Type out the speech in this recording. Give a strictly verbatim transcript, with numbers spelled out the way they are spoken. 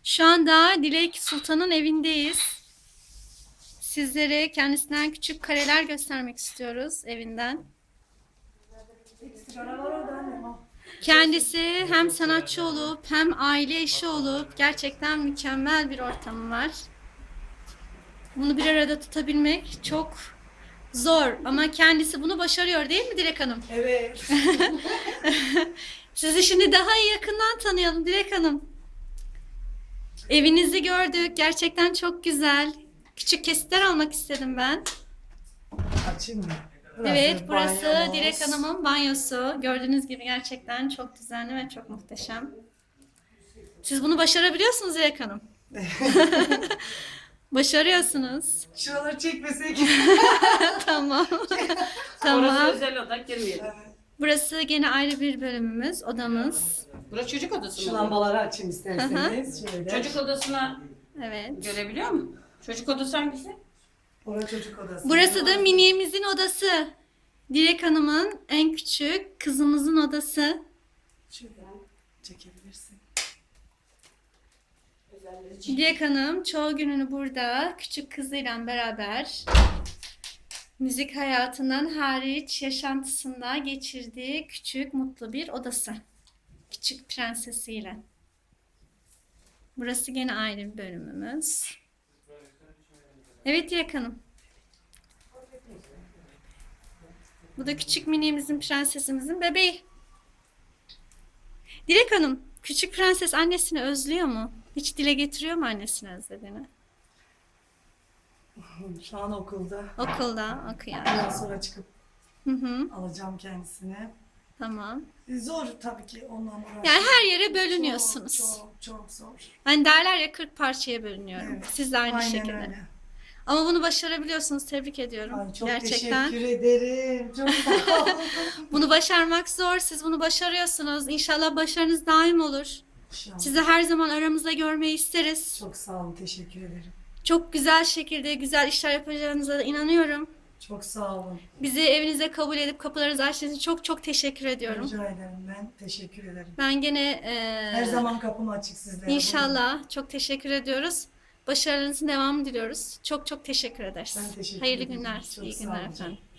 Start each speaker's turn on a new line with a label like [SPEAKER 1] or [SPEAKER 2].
[SPEAKER 1] Şu anda Dilek Sultan'ın evindeyiz. Sizlere kendisinden küçük kareler göstermek istiyoruz evinden. Kendisi hem sanatçı olup hem aile eşi olup gerçekten mükemmel bir ortamı var. Bunu bir arada tutabilmek çok zor ama kendisi bunu başarıyor değil mi Dilek Hanım?
[SPEAKER 2] Evet.
[SPEAKER 1] Sizi şimdi daha iyi yakından tanıyalım Dilek Hanım. Evinizi gördük. Gerçekten çok güzel. Küçük kesitler almak istedim ben.
[SPEAKER 2] Açayım mı?
[SPEAKER 1] Evet, burası
[SPEAKER 2] banyomuz.
[SPEAKER 1] Dilek Hanım'ın banyosu. Gördüğünüz gibi gerçekten çok düzenli ve çok muhteşem. Siz bunu başarabiliyorsunuz Dilek Hanım. Başarıyorsunuz.
[SPEAKER 2] Şuraları çekmesek.
[SPEAKER 1] Tamam.
[SPEAKER 3] Orası
[SPEAKER 1] Tamam.
[SPEAKER 3] özel oda, girmeyelim.
[SPEAKER 1] Burası gene ayrı bir bölümümüz, odamız.
[SPEAKER 3] Burası çocuk odası
[SPEAKER 2] Şu
[SPEAKER 3] mı?
[SPEAKER 2] lambaları açayım isterseniz. Şöyle.
[SPEAKER 3] Çocuk odasına
[SPEAKER 1] Evet.
[SPEAKER 3] görebiliyor musun? Çocuk odası hangisi?
[SPEAKER 2] Orası çocuk odası.
[SPEAKER 1] Burası da Mini'mizin odası. Dilek Hanım'ın en küçük kızımızın odası.
[SPEAKER 2] Şöyle çekebilirsin.
[SPEAKER 1] Dilek Hanım çoğu gününü burada küçük kızıyla beraber müzik hayatından hariç yaşantısında geçirdiği küçük mutlu bir odası. Küçük prensesiyle. Burası gene ayrı bir bölümümüz. Evet Dilek Hanım. Bu da küçük minimizin, prensesimizin bebeği. Dilek Hanım, küçük prenses annesini özlüyor mu? Hiç dile getiriyor mu annesini özlediğini?
[SPEAKER 2] Şu an okulda.
[SPEAKER 1] Okulda okuyor.
[SPEAKER 2] Biraz sonra çıkıp
[SPEAKER 1] Hı hı,
[SPEAKER 2] alacağım kendisini.
[SPEAKER 1] tamam.
[SPEAKER 2] E, Zor tabii ki onunla uğraşmak.
[SPEAKER 1] Yani her yere bölünüyorsunuz.
[SPEAKER 2] Çok çok, çok zor.
[SPEAKER 1] Hani derler ya kırk parçaya bölünüyorum.
[SPEAKER 2] Evet,
[SPEAKER 1] Siz de aynı
[SPEAKER 2] Aynen
[SPEAKER 1] şekilde.
[SPEAKER 2] öyle.
[SPEAKER 1] Ama bunu başarabiliyorsunuz. Tebrik ediyorum.
[SPEAKER 2] Ay, çok
[SPEAKER 1] Gerçekten.
[SPEAKER 2] teşekkür ederim. Çok sağ olun.
[SPEAKER 1] Bunu başarmak zor. Siz bunu başarıyorsunuz. İnşallah başarınız daim olur.
[SPEAKER 2] İnşallah.
[SPEAKER 1] Sizi her zaman aramızda görmeyi isteriz.
[SPEAKER 2] Çok sağ olun. Teşekkür ederim.
[SPEAKER 1] Çok güzel şekilde güzel işler yapacağınıza da inanıyorum.
[SPEAKER 2] Çok sağ olun.
[SPEAKER 1] Bizi evinize kabul edip kapılarınızı açtığınız için çok çok teşekkür ediyorum.
[SPEAKER 2] Rica ederim. Ben teşekkür ederim.
[SPEAKER 1] Ben gene e,
[SPEAKER 2] Her zaman kapım açık sizlere.
[SPEAKER 1] inşallah çok teşekkür ediyoruz. Başarılarınızın devamını diliyoruz. Çok çok teşekkür ederiz.
[SPEAKER 2] Ben teşekkür
[SPEAKER 1] Hayırlı
[SPEAKER 2] ederim.
[SPEAKER 1] günler,
[SPEAKER 2] Çok
[SPEAKER 1] iyi
[SPEAKER 2] sağ
[SPEAKER 1] günler
[SPEAKER 2] olun.
[SPEAKER 1] efendim.